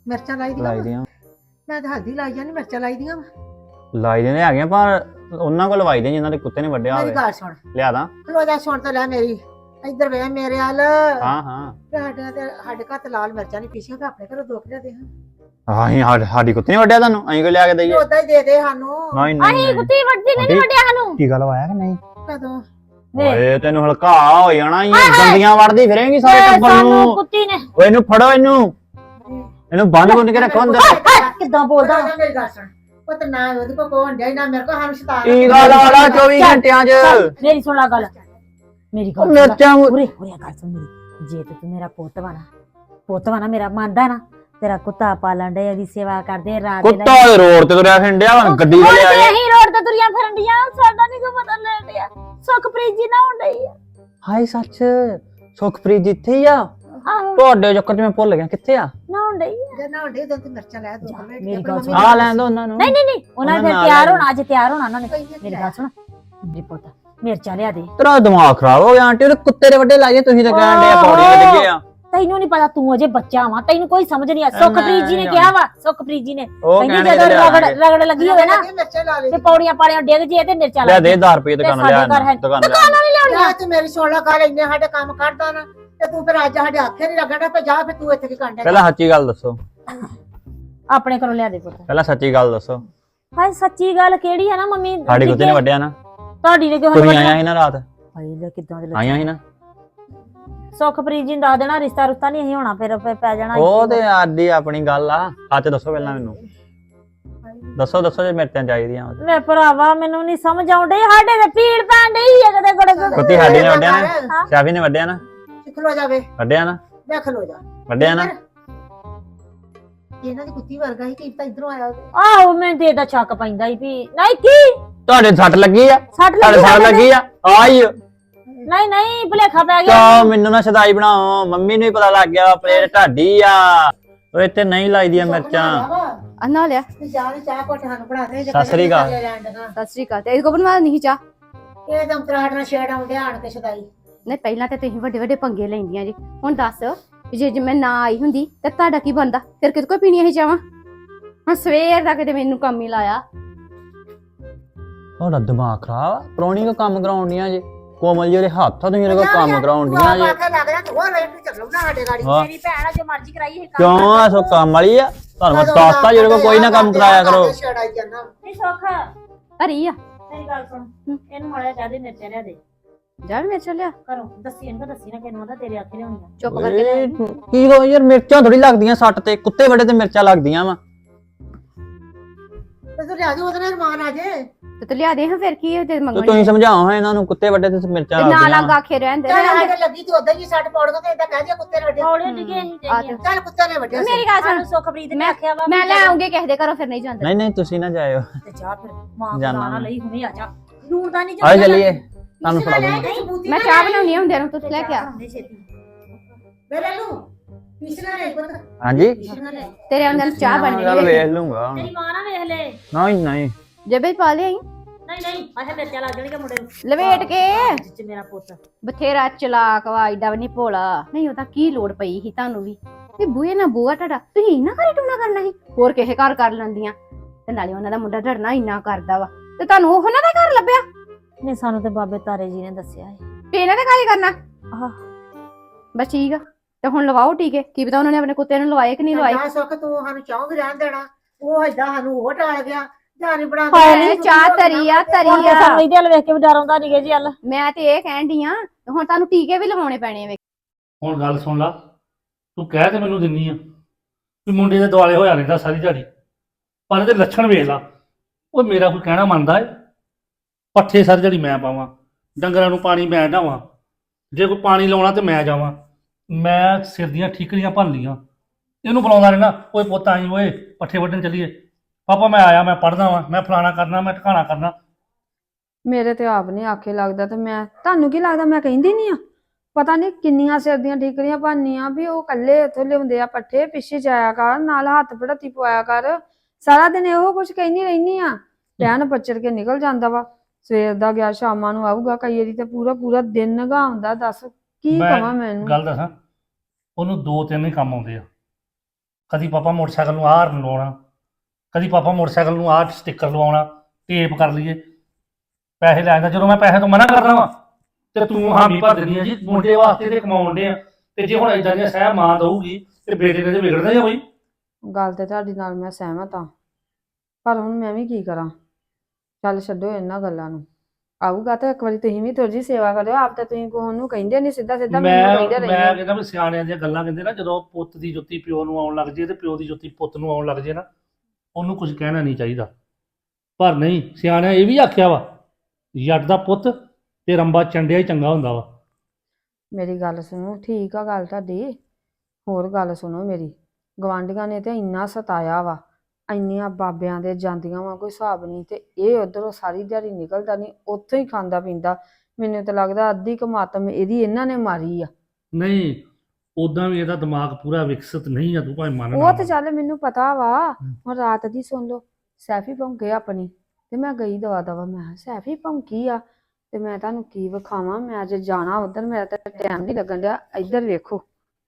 A: ਮਿਰਚਾਂ ਲਾਈ ਦੀਆਂ
C: ਲਾਈ
A: ਵਾਂ।
C: ਦੀਆਂ
A: ਮੈਂ ਤਾਂ ਹਲਦੀ ਲਾਈ ਜਾਂਦੀ, ਮਿਰਚਾਂ ਲਾਈ ਦੀਆਂ ਵਾਂ।
C: ਲਾਈ ਦੀਆਂ ਹੈਗੀਆਂ ਪਰ ਉਹਨਾਂ ਕੋਲ ਲਵਾਈ ਦੀਆਂ ਜਿਨ੍ਹਾਂ ਦੇ ਕੁੱਤੇ ਨੇ ਵੱਢਿਆ
A: ਮੇਰੀ
C: ਹੋਵੇ।
A: ਗੱਲ ਸੁਣ,
C: ਲਿਆ ਦਾਂ।
A: ਖਲੋ ਜਾ, ਸੁਣ ਤਾਂ ਲੈ ਮੇਰੀ। ਇੱਧਰ ਵੇ ਮੇਰੇ ਵੱਲ।
C: ਹਾਂ ਹਾਂ
A: ਸਾਡੇ ਘਰ ਤੇ ਲਾਲ ਮਿਰਚਾਂ ਨਹੀਂ ਪੀਸੀਆਂ, ਤੇ ਆਪਣੇ ਘਰੋਂ ਦੋ ਕਿਲੋ ਦੇ
C: ਸਾਡੀ ਕੁੱਤੇ ਨੇ ਵੱਢਿਆ ਤੁਹਾਨੂੰ ਅਸੀਂ ਕੋ ਲਿਆ ਕੇ ਦਈਏ।
A: ਉਦਾਂ ਹੀ ਦੇ ਦੇ ਸਾਨੂੰ।
C: ਨਹੀਂ ਨਹੀਂ
B: ਅਸੀਂ
C: ਨਹੀਂ।
B: ਕੁੱਤੀ ਵੱਢਦੀ ਨਹੀਂ ਵੱਢਿਆ ਸਾਨੂੰ।
C: ਟੀਕਾ ਲਵਾਇਆ ਕਿ ਨਹੀਂ?
A: ਕਦੋਂ?
C: ਓਏ ਤੈਨੂੰ ਹਲਕਾ ਹੋ ਜਾਣਾ ਈ ਗੰਦੀਆਂ ਵੜਦੀ ਫਿਰੇਂਗੀ ਸਾਰੇ ਟੱਬਰ
B: ਸਾਨੂੰ
C: ਨੂੰ।
B: ਕੁੱਤੀ ਨੇ
C: ਓਏ ਇਹਨੂੰ ਫੜੋ, ਇਹਨੂੰ ਬੰਦ ਬੁੰਦ ਕੇ ਰੱਖੋ ਅੰਦਰ।
B: ਕਿੱਦਾਂ ਬੋਲਦਾ
A: ਬੋਲਦਾ ਮੇਰੀ ਗੱਲ ਸੁਣ। ਉਹ ਤਾਂ ਨਾ ਉਹਦੇ ਕੋਲ ਕੋਣ ਡਿਆ ਨਾ ਮੇਰੇ ਕੋਲ ਸਾਨੂੰ ਸ਼ਤਾਨ।
C: ਟੀਕਾ ਲਾ ਲਾ 24 ਘੰਟਿਆਂ 'ਚ।
B: ਮੇਰੀ ਸੁਣ ਲਾ ਗੱਲ, ਮੇਰੀ ਗੱਲ ਸੁਣ।
C: ਮਿਰਚਾਂ
B: ਉਰੇ ਗੱਲ ਸੁਣ ਮੇਰੀ। ਜੇ ਤੇ ਤੂੰ ਮੇਰਾ ਪੁੱਤ ਵਾ ਨਾ ਮੇਰਾ ਮੰਨਦਾ ਨਾ, ਤੇਰਾ ਕੁੱਤਾ ਪਾਲਣ ਦੇ, ਉਹਦੀ ਸੇਵਾ ਕਰਦੇ ਰਾਤ ਦੇ
C: ਕੁੱਤਾ ਦੇ ਰੋਡ ਤੇ ਤੁਰਿਆ ਫਿਰਦਿਆ ਗੱਡੀ ਤੇ ਲਿਆ ਕੇ।
B: ਅਸੀਂ ਰੋਡ ਤੇ ਤੁਰੀਆਂ ਫਿਰਨ ਡੀਆਂ, ਸਾਡਾ ਨਹੀਂ ਕੋਈ ਪਤਾ ਲੈਣ ਡਿਆ। ਸੁਖਪ੍ਰੀਤ ਜੀ ਨਾ ਹੁੰਦੀ ਆ।
C: ਹਾਏ ਸੱਚ, ਸੁਖਪ੍ਰੀਤ ਜਿੱਥੇ ਹੀ ਆ।
B: ਆਹੋ
C: ਤੁਹਾਡੇ ਚੱਕਰ 'ਚ ਮੈਂ ਭੁੱਲ ਗਿਆ ਕਿੱਥੇ ਆ।
B: ਨਾ ਹੁੰਦੀ ਆ।
A: ਜੇ ਨਾ ਹੁੰਦੇ ਉਦੋਂ ਤੇ ਮਿਰਚਾਂ ਲੈ ਦੋ।
B: ਮੇਰੀ ਗੱਲ ਸੁਣ।
C: ਆ ਲੈਣ ਦੋ ਉਹਨਾਂ ਨੂੰ।
B: ਨਹੀਂ ਉਹਨਾਂ ਨੇ
C: ਉਹਨਾਂ
B: ਫਿਰ ਤਿਆਰ
C: ਨਾਲ
B: ਹੋਣਾ, ਅੱਜ ਤਿਆਰ ਹੋਣਾ ਉਹਨਾਂ ਨੇ। ਮੇਰੀ ਗੱਲ ਸੁਣ, ਮੇਰੇ ਪੁੱਤ ਮਿਰਚਾਂ ਲਿਆ ਦੇ।
C: ਤੇਰਾ ਦਿਮਾਗ ਖਰਾਬ ਹੋ ਗਿਆ ਆਂਟੀ, ਉਹਦੇ ਕੁੱਤੇ ਦੇ ਵੱਡੇ ਲਾਈਏ ਤੁਸੀਂ ਤਾਂ ਕਹਿਣ ਦੇ ਪੌੜੀਆਂ ਤੇ ਡਿੱਗੇ ਆ।
B: ਤੈਨੂੰ ਨਹੀਂ ਪਤਾ, ਤੂੰ ਅਜੇ ਬੱਚਾ ਵਾ, ਤੈਨੂੰ ਕੋਈ ਸਮਝ ਨਹੀਂ ਆ। ਸੁਖਪ੍ਰੀਤ ਜੀ ਨੇ ਕਿਹਾ ਵਾ, ਸੁਖਪ੍ਰੀਤ ਜੀ ਨੇ
C: ਉਹ
B: ਕਹਿੰਦੀ
C: ਕਹਿਣੇ
B: ਜਦੋਂ ਰਗੜ ਲੱਗੀ ਹੋਵੇ ਨਾ
A: ਮਿਰਚਾਂ ਲਾ ਲੈ।
B: ਤੇ ਪੌੜੀਆਂ ਪਾੜੀਆਂ ਡਿੱਗ ਜੇ ਤੇ ਮਿਰਚਾਂ
C: ਲੈ
B: ਲਾ
C: ਦੇ 1000 ਰੁਪਏ ਦੁਕਾਨ ਲਿਆ
B: ਸਾਡੇ ਘਰ ਹੈ।
C: ਦੁਕਾਨ
B: ਦੁਕਾਨ ਵਾਲੀ ਲਿਆਉਣੀ
A: ਜਾ ਤੇ ਮੇਰੀ ਸੁਣ ਲਾ ਗੱਲ, ਇੰਨੇ ਸਾਡੇ ਕੰਮ ਕਰਦਾ ਨਾ ਤੇ ਤੂੰ ਫਿਰ ਅੱਜ ਸਾਡੇ ਆਖੇ ਨਹੀਂ ਲੱਗਣਾ ਤੇ ਜਾ ਫਿਰ ਤੂੰ ਇੱਥੇ ਕੀ ਕਰਦਾ।
C: ਪਹਿਲਾਂ ਸੱਚੀ ਗੱਲ ਦੱਸੋ।
B: ਆਪਣੇ ਘਰੋਂ ਲਿਆ ਦੇ ਪੁੱਤ।
C: ਪਹਿਲਾਂ ਸੱਚੀ ਗੱਲ ਦੱਸੋ।
B: ਹਾਏ ਸੱਚੀ ਗੱਲ ਕਿਹੜੀ ਹੈ ਨਾ ਮੰਮੀ?
C: ਸਾਡੀ ਕੁੱਤੇ ਨੇ ਵੱਢਿਆ ਨਾ।
B: ਤੁਹਾਡੀ ਨੇ ਕਿਉਂ
C: ਤੁਸੀਂ
B: ਵੱਢਿਆ?
C: ਆਇਆ ਸੀ ਨਾ ਰਾਤ,
B: ਹਾਏ ਲੈ ਕਿੱਦਾਂ ਦੇ
C: ਆਈਆਂ ਸੀ ਨਾ।
B: ਸੁਖਪ੍ਰੀਤ ਜੀ ਨੂੰ ਦੱਸ ਦੇਣਾ, ਰਿਸ਼ਤਾ ਰੁਸ਼ਤਾ ਨਹੀਂ ਅਸੀਂ ਹੋਣਾ, ਫਿਰ ਪੈ ਜਾਣਾ।
C: ਉਹ ਤੇ ਆਦੀ ਆਪਣੀ ਗੱਲ ਆ। ਸੱਚ ਦੱਸੋ ਪਹਿਲਾਂ ਮੈਨੂੰ। ਦੱਸੋ ਜੇ ਮਿਰਚਾਂ ਚਾਹੀਦੀਆਂ।
B: ਮੈਂ ਭਰਾਵਾ ਮੈਨੂੰ ਨਹੀਂ ਸਮਝ ਆਉਂਦੀ, ਸਾਡੇ ਤੇ ਪੀੜ ਪੈਣ ਡਈ ਹੈ ਕਦੇ ਗੜ।
C: ਕੁੱਤੀ ਸਾਡੀ ਨੇ ਵੱਢਿਆ ਨਾ, ਸ਼ਾਫੀ ਨੇ ਵੱਢਿਆ ਨਾ।
A: ਖਲੋ ਜਾਵੇ,
C: ਵੱਢਿਆ ਨਾ,
A: ਮੈਂ ਖਲੋ ਜਾ।
C: ਵੱਢਿਆ ਨਾ।
A: ਇਹਨਾਂ ਦੀ ਕੁੱਤੀ ਵਰਗਾ ਹੀ ਕੀਤਾ ਇਧਰੋਂ ਆਇਆ।
B: ਆਹੋ ਮੈਨੂੰ ਤੇ ਇਹਦਾ ਸ਼ੱਕ ਪੈਂਦਾ ਹੀ ਵੀ ਨਹੀਂ ਕੀ
C: ਤੁਹਾਡੇ ਸੱਟ ਲੱਗੀ ਆ,
B: ਸੱਟ
C: ਤੁਹਾਡੇ ਸੱਟ ਲੱਗੀ ਆ। ਆਈ
B: ਨਹੀਂ ਭੁਲੇਖਾ ਪੈ ਗਿਆ।
C: ਕਿਉਂ ਮੈਨੂੰ ਨਾ ਸਦਾਈ ਬਣਾਓ, ਮੰਮੀ ਨੂੰ ਹੀ ਪਤਾ ਲੱਗ ਗਿਆ ਪਲੇਟ ਢਾਡੀ ਆ। ਉਹ ਇੱਥੇ ਨਹੀਂ ਲਾਈਦੀਆਂ ਮਿਰਚਾਂ।
D: ਅੰਨਾ ਲਿਆ।
A: ਚਾਹ ਚਾਹ ਕੋਟ ਸਾਨੂੰ ਬਣਾ ਦੇ।
C: ਸਤਿ ਸ੍ਰੀ ਅਕਾਲ।
D: ਸਤਿ ਸ੍ਰੀ ਅਕਾਲ। ਤੇ ਇਹਦੇ ਕੋ ਬਣਵਾ ਨਹੀਂ ਚਾ।
A: ਇਹ ਦਮ ਤਰਾੜ ਨਾਲ ਛੇੜ ਆਉਂਦੇ ਆਣ ਕੇ ਸਦਾਈ।
D: ਨਹੀਂ ਪਹਿਲਾਂ ਤੇ ਤੁਸੀਂ ਵੱਡੇ ਵੱਡੇ ਪੰਗੇ ਲੈਂਦੀਆਂ ਜੀ। ਹੁਣ ਦੱਸ ਵੀ ਜੇ ਮੈਂ ਨਾ ਆਈ ਹੁੰਦੀ ਤੇ ਤੁਹਾਡਾ ਕੀ ਬਣਦਾ? ਫਿਰ ਕਿਤੇ ਕੋਈ ਪੀਣੀ ਇਹ ਚਾਵਾਂ? ਹੁਣ ਸਵੇਰ ਦਾ ਕਿਤੇ ਮੈਨੂੰ ਕੰਮ ਹੀ ਲਾਇਆ।
C: ਤੁਹਾਡਾ ਦਿਮਾਗ ਖਰਾਬ, ਪ੍ਰਾਹੁਣੀ ਕੋ ਕੰਮ ਕਰਾਉਣੀਆਂ ਜੇ। ਕੋਮਲ ਜੀ ਦੇ ਹੱਥ ਆ, ਤੁਸੀਂ ਇਹਦੇ ਕੋਲ ਕੰਮ ਕਰਾਉਣੀਆਂ ਜੇ।
A: ਆਖੇ ਲੱਗ ਜਾ ਤੂੰ ਰੇਟ ਨੂੰ ਚੱਲੋ ਨਾ ਸਾਡੇ ਗਾੜੀ।
C: ਹਾਂ।
B: ਮੇਰੀ ਭੈਣ ਆ, ਜੋ ਮਰਜ਼ੀ ਕਰਾਈ ਇਹ
C: ਕਿਉਂ ਆ ਸੋ ਕੰਮ ਵਾਲੀ ਆ? ਤੁਹਾਨੂੰ ਮੈਂ ਦੱਸਤਾ ਜਿਹੜੇ ਕੋਲ ਕੋਈ ਨਾ ਕੰਮ ਕਰਾਇਆ ਕਰੋ।
A: ਛੇੜਾਈ ਜਾਂਦਾ।
B: ਨਹੀਂ ਸੁੱਖ
D: ਹਰੀ ਆ
B: ਮੇਰੀ ਗੱਲ ਸੁਣ, ਇਹਨੂੰ ਮਾੜਾ ਜਿਹਾ ਦੇ ਮਿਰਚਾਂ ਲਿਆ ਦੇ
D: ਜਾ ਵੀ ਮੇਰੇ ਲਿਆ।
B: ਘਰੋਂ। ਦੱਸੀ ਇਹਨੂੰ ਦੱਸੀ ਨਾ ਕਿਹਨੂੰ ਆਦਾ ਤੇਰੇ ਆਖੇ ਲਿਆਉਣੀਆਂ।
D: ਚੁੱਪ ਕਰਕੇ ਲੈ ਆਈ।
C: ਕੀ ਹੋ ਯਾਰ, ਮਿਰਚਾਂ ਥੋੜੀ ਲੱਗਦੀਆਂ ਸੱਟ ਤੇ, ਕੁੱਤੇ ਵੱਡੇ ਤੇ ਮਿਰਚਾਂ ਲੱਗਦੀਆਂ ਵਾ।
A: ਤੇ ਤੂੰ ਲਿਆ ਦੇ, ਉਹਦੇ ਨਾਲ ਮਾਨ ਆ ਜੇ।
D: ਤੇ ਤੂੰ ਲਿਆ ਦੇ ਹਾਂ। ਫਿਰ ਕੀ ਤੇ
C: ਤੇ
D: ਮੰਗਣੀ
C: ਤੁਸੀਂ ਸਮਝਾਓ ਹਾਂ ਇਹਨਾਂ ਨੂੰ, ਕੁੱਤੇ ਵੱਡੇ ਤੇ ਮਿਰਚਾਂ
D: ਨਾ
C: ਲੱਗਦੀਆਂ
D: ਲੱਗ
C: ਵਾ।
D: ਆਖੇ ਰਹਿੰਦੇ
A: ਚੱਲ ਸਾਡੇ ਲੱਗੀ ਤੇ ਉਦਾਂ ਹੀ ਸੱਟ ਪੌੜ ਤੇ ਇਦਾਂ ਕਹਿ ਦਿਆ ਕੁੱਤੇ ਨੇ ਵੱਡੇ।
B: ਹੌਲੇ ਡਿੱਗੇ ਅਸੀਂ ਜਾਈਏ।
A: ਚੱਲ ਕੁੱਤੇ ਨੇ ਵੱਡੇ।
D: ਮੇਰੀ ਗੱਲ ਸੁਣ।
B: ਸਾਨੂੰ ਸੁਖਪ੍ਰੀਤ ਨੇ ਆਖਿਆ ਵਾ
D: ਮੈਂ ਲੈ ਆਉਂਗੀ ਕਿਸੇ ਦੇ ਘਰੋਂ। ਫਿਰ ਨਹੀਂ ਜਾਂਦਾ।
C: ਨਹੀਂ ਤੁਸੀਂ ਨਾ ਜਾਇਓ।
B: ਤੇ ਜਾ ਫਿਰ ਮਾਂ
C: ਜਾਨਾ
B: ਬੁਲਾਣਾ ਲਈ ਹੁਣੇ ਆ ਜਾ। ਲੂਣ ਦਾ ਨਹੀਂ
C: ਆਓ ਚੱਲੀਏ, ਤੁਹਾਨੂੰ ਫੜਾ ਦੂੰਗਾ।
D: ਮੈਂ ਚਾਹ ਬਣਾਉਣੀ ਆ ਹੁੰਦਿਆਂ ਨੂੰ। ਤੂੰ ਲੈ ਕੇ ਆ।
A: ਮੇਰੇ ਨੂੰ ਪਿਛਲਾ ਨਹੀਂ ਪਤਾ।
C: ਹਾਂਜੀ
A: ਪਿਛਲਾ ਨਹੀਂ।
D: ਤੇਰੇ ਅੰਦਰ ਚਾਹ ਬਣ
C: ਚੱਲ
D: ਗਈ।
C: ਵੇਖ ਲੂੰਗਾ।
B: ਤੇਰੀ ਮਾਂ ਨਾ ਵੇਖ ਲੈ।
C: ਨਹੀਂ
D: ਜਬੇ ਪਾ ਲਿਆਈ
B: ਨਹੀਂ ਆਹ ਮਿਰਚਾਂ ਲੱਗ ਜਾਣਗੀਆਂ ਮੁੰਡੇ ਨੂੰ।
D: ਲਵੇਟ ਕੇ।
B: ਜਿੱਚ ਮੇਰਾ ਪੁੱਤ
D: ਬਥੇਰਾ ਚਲਾਕ ਵਾ, ਏਡਾ ਵੀ ਨਹੀਂ ਭੋਲਾ। ਨਹੀਂ ਉਹਦਾ ਕੀ ਲੋੜ ਪਈ ਸੀ ਤੁਹਾਨੂੰ ਵੀ? ਇਹ ਬੂਏ ਨਾ ਬੂਆ ਤੁਹਾਡਾ, ਤੁਸੀਂ ਇੰਨਾ ਘਰੇ ਟੂਣਾ ਕਰਨਾ ਸੀ? ਹੋਰ ਕਿਸੇ ਘਰ ਕਰ ਲੈਂਦੀਆਂ। ਤੇ ਨਾਲੇ ਉਹਨਾਂ ਦਾ ਮੁੰਡਾ ਡਰਨਾ ਇੰਨਾ ਕਰਦਾ ਵਾ, ਤੇ ਤੁਹਾਨੂੰ ਉਹਨਾਂ ਦਾ ਘਰ ਲੱਭਿਆ?
B: ਨਹੀਂ ਸਾਨੂੰ ਤੇ ਬਾਬੇ ਤਾਰੇ ਜੀ ਨੇ ਦੱਸਿਆ ਹੈ।
D: ਤੇ ਇਹਨਾਂ ਦੇ ਘਰ ਹੀ ਕਰਨਾ?
B: ਆਹ
D: ਬਸ ਠੀਕ ਆ। ਤੇ ਹੁਣ ਲਵਾਓ ਟੀਕੇ। ਕੀ ਪਤਾ ਉਹਨਾਂ ਨੇ ਆਪਣੇ ਕੁੱਤੇ ਨੂੰ ਲਵਾਏ ਕਿ ਨਹੀਂ ਲਵਾਏ।
A: ਜਾ ਸੁੱਖ ਤੂੰ ਸਾਨੂੰ ਚਾਹ ਵੀ ਰਹਿਣ ਦੇਣਾ। ਉਹ ਏਦਾਂ ਸਾਨੂੰ ਉਹ ਟਾਲ ਗਿਆ। ਜਾਨੀ ਬਣਾ
D: ਹਾਏ ਚਾਹ ਤਰੀ ਆ ਤਰੀ
B: ਹੁਣ ਤੇ
D: ਆ।
B: ਸਾਨੂੰ ਇਹਦੇ ਵੱਲ ਵੇਖ ਕੇ ਵੀ ਡਰ ਆਉਂਦਾ ਨਹੀਂ ਜੀ। ਹਲ
D: ਮੈਂ ਤੇ ਇਹ ਕਹਿਣ ਡਈ ਆ, ਹੁਣ ਤੁਹਾਨੂੰ ਟੀਕੇ ਵੀ ਲਵਾਉਣੇ ਪੈਣੇ ਵੇ।
E: ਹੁਣ ਗੱਲ ਸੁਣ ਲਾ। ਤੂੰ ਕਹਿ ਤੇ ਮੈਨੂੰ ਦਿੰਨੀ ਆ ਵੀ ਮੁੰਡੇ ਦੇ ਦੁਆਲੇ ਹੋਇਆ ਰਹਿੰਦਾ ਸਾਰੀ ਦਿਹਾੜੀ, ਪਰ ਇਹਦੇ ਲੱਛਣ ਵੇਖ ਲਾ। ਉਹ ਮੇਰਾ ਕੋਈ ਕਹਿਣਾ ਮੰਨਦਾ ਏ? ਪੱਠੇ ਸਾਰੀ ਦਿਹਾੜੀ ਮੈਂ ਪਾਵਾਂ, ਡੰਗਰਾਂ ਨੂੰ ਪਾਣੀ ਮੈਂ ਢਾਵਾਂ, ਜੇ ਕੋਈ ਪਾਣੀ ਲਾਉਣਾ ਤੇ ਮੈਂ ਜਾਵਾਂ। ਮੈਂ ਸਿਰ ਦੀਆਂ ਠੀਕਰੀਆਂ ਭੰਨ ਲੀਆਂ। ਇਹਨੂੰ ਬੁਲਾਉਂਦਾ ਰਹਿਣਾ, ਓਏ ਪੁੱਤ ਆਈ ਓਏ ਪੱਠੇ ਵੱਢਣ ਚੱਲੀਏ। ਪਾਪਾ ਮੈਂ ਆਇਆ, ਮੈਂ ਪੜ੍ਹਦਾ ਵਾਂ, ਮੈਂ ਫਲਾਣਾ ਕਰਨਾ, ਮੈਂ ਠਿਕਾਣਾ ਕਰਨਾ।
F: ਮੇਰੇ ਤੇ ਆਪ ਨਹੀਂ ਆਖੇ ਲੱਗਦਾ। ਤੇ ਮੈਂ ਤੁਹਾਨੂੰ ਕੀ ਲੱਗਦਾ ਮੈਂ ਕਹਿੰਦੀ ਨਹੀਂ ਆ? ਪਤਾ ਨਹੀਂ ਕਿੰਨੀਆਂ ਸਿਰ ਦੀਆਂ ਠੀਕਰੀਆਂ ਭਾਨੀਆਂ ਵੀ ਉਹ ਕੱਲੇ ਇੱਥੋਂ ਲਿਆਉਂਦੇ ਆ ਪੱਠੇ, ਪਿੱਛੇ ਜਾਇਆ ਕਰ, ਨਾਲ ਹੱਥ ਪੜਾਤੀ ਪਵਾਇਆ ਕਰ। ਸਾਰਾ ਦਿਨ ਇਹੋ ਕੁਝ ਕਹਿੰਦੀ ਰਹਿਨੀ ਆ। ਟਹਿਣ ਪੱਚਰ ਕੇ ਨਿਕਲ ਜਾਂਦਾ ਵਾ। ਸਵੇਰ ਦਾ ਗਿਆ ਸ਼ਾਮਾਂ ਨੂੰ ਆਊਗਾ। ਕਈ ਵਾਰੀ ਤੇ ਪੂਰਾ ਦਿਨ ਨਗਾਉਂਦਾ। ਦੱਸ ਕੀ ਕਵਾਂ ਮੈਨੂੰ?
E: ਗੱਲ ਦੱਸਾਂ, ਉਹਨੂੰ 2-3 ਹੀ ਕੰਮ ਆਉਂਦੇ ਆ। ਕਦੀ ਪਾਪਾ ਮੋਟਰਸਾਈਕਲ ਨੂੰ ਆਹ ਹਾਰਨ ਲਵਾਉਣਾ, ਕਦੀ ਪਾਪਾ ਮੋਟਰਸਾਈਕਲ ਨੂੰ ਆਹ ਸਟicker ਲਵਾਉਣਾ, ਟੇਪ ਕਰ ਲਈਏ, ਪੈਸੇ ਲੈ ਜਾਂਦਾ। ਜਦੋਂ ਮੈਂ ਪੈਸੇ ਤੋਂ ਮਨਾ ਕਰਦਾ ਵਾਂ ਤੇ ਤੂੰ ਹਾਮੀ ਭਰ ਦਿੰਦੀ ਆ ਜੀ ਮੁੰਡੇ ਵਾਸਤੇ ਤੇ ਕਮਾਉਣ ਦੇ ਆ, ਤੇ ਜੇ ਹੁਣ ਏਦਾਂ ਦੀਆਂ ਸਹਿ ਮਾਂ ਦਊਗੀ ਤੇ ਬੇਟੇ ਨੇ ਤੇ ਵਿਗੜਦਾ ਹੀ ਆ ਬਈ।
F: ਗੱਲ ਤੇ ਤੁਹਾਡੀ ਨਾਲ ਮੈਂ ਸਹਿਮਤ ਹਾਂ, ਪਰ ਹੁਣ ਮੈਂ ਵੀ ਕੀ ਕਰਾਂ। ਚੱਲ ਛੱਡੋ ਇਹਨਾਂ ਗੱਲਾਂ ਨੂੰ, ਆਊਗਾ ਤਾਂ ਇੱਕ ਵਾਰੀ ਤੁਸੀਂ ਵੀ ਥੋੜੀ ਜਿਹੀ ਸੇਵਾ ਕਰਿਓ। ਆਪ ਤਾਂ ਤੁਸੀਂ ਕੋਹ ਨੂੰ ਕਹਿੰਦੇ ਨਹੀਂ, ਸਿੱਧਾ ਸਿੱਧਾ ਮੈਨੂੰ ਕਹਿੰਦੇ
E: ਮੈਂ
F: ਰਹਿੰਦੇ।
E: ਕਹਿੰਦਾ ਵੀ ਸਿਆਣਿਆਂ ਦੀਆਂ ਗੱਲਾਂ ਕਹਿੰਦੇ ਨਾ, ਜਦੋਂ ਪੁੱਤ ਦੀ ਜੁੱਤੀ ਪਿਓ ਨੂੰ ਆਉਣ ਲੱਗ ਜੇ ਤੇ ਪਿਓ ਦੀ ਜੁੱਤੀ ਪੁੱਤ ਨੂੰ ਆਉਣ ਲੱਗ ਜੇ ਨਾ, ਉਹਨੂੰ ਕੁਝ ਕਹਿਣਾ ਨਹੀਂ ਚਾਹੀਦਾ। ਪਰ ਨਹੀਂ, ਸਿਆਣਿਆਂ ਇਹ ਵੀ ਆਖਿਆ ਵਾ, ਜੱਟ ਦਾ ਪੁੱਤ ਤੇ ਰੰਬਾ ਚੰਡਿਆ ਹੀ ਚੰਗਾ ਹੁੰਦਾ ਵਾ।
F: ਮੇਰੀ ਗੱਲ ਸੁਣੋ, ਠੀਕ ਆ ਗੱਲ ਤੁਹਾਡੀ। ਹੋਰ ਗੱਲ ਸੁਣੋ ਮੇਰੀ, ਗਵਾਂਢੀਆਂ ਨੇ ਤੇ ਇੰਨਾ ਸਤਾਇਆ ਵਾ, ਇੰਨੀਆਂ ਬਾਬਿਆਂ ਦੇ ਜਾਂਦੀਆਂ ਵਾ ਕੋਈ ਹਿਸਾਬ ਨਹੀਂ, ਤੇ ਇਹ ਉਧਰੋਂ ਸਾਰੀ ਦਿਹਾੜੀ ਨਿਕਲਦਾ ਨਹੀਂ, ਉੱਥੋਂ ਹੀ ਖਾਂਦਾ ਪੀਂਦਾ। ਮੈਨੂੰ ਤਾਂ ਲੱਗਦਾ ਅੱਧੀ ਕਮਾਤਮ ਇਹਦੀ ਇਹਨਾਂ ਨੇ ਮਾਰੀ ਆ।
E: ਨਹੀਂ, ਉਦਾਂ ਵੀ ਇਹਦਾ ਦਿਮਾਗ ਪੂਰਾ ਵਿਕਸਿਤ ਨਹੀਂ ਆ, ਤੂੰ ਭਾਵੇਂ ਮੰਨ
F: ਉਹ ਤੇ ਚੱਲ ਮੈਨੂੰ ਪਤਾ ਵਾ। ਹੁਣ ਰਾਤ ਦੀ ਸੁਣ ਲਓ, ਸੈਫੀ ਭੌਂਕੇ ਆਪਣੀ, ਤੇ ਮੈਂ ਗਈ ਦਵਾ ਦਵਾ। ਮੈਂ ਕਿਹਾ ਸੈਫੀ ਭੌਂਕੀ ਆ ਤੇ ਮੈਂ ਤੁਹਾਨੂੰ ਕੀ ਵਿਖਾਵਾਂ, ਮੈਂ ਅੱਜ ਜਾਣਾ ਉਧਰ, ਮੇਰਾ ਤਾਂ ਟਾਈਮ ਨਹੀਂ ਲੱਗਣ ਡਿਆ। ਇੱਧਰ ਵੇਖੋ,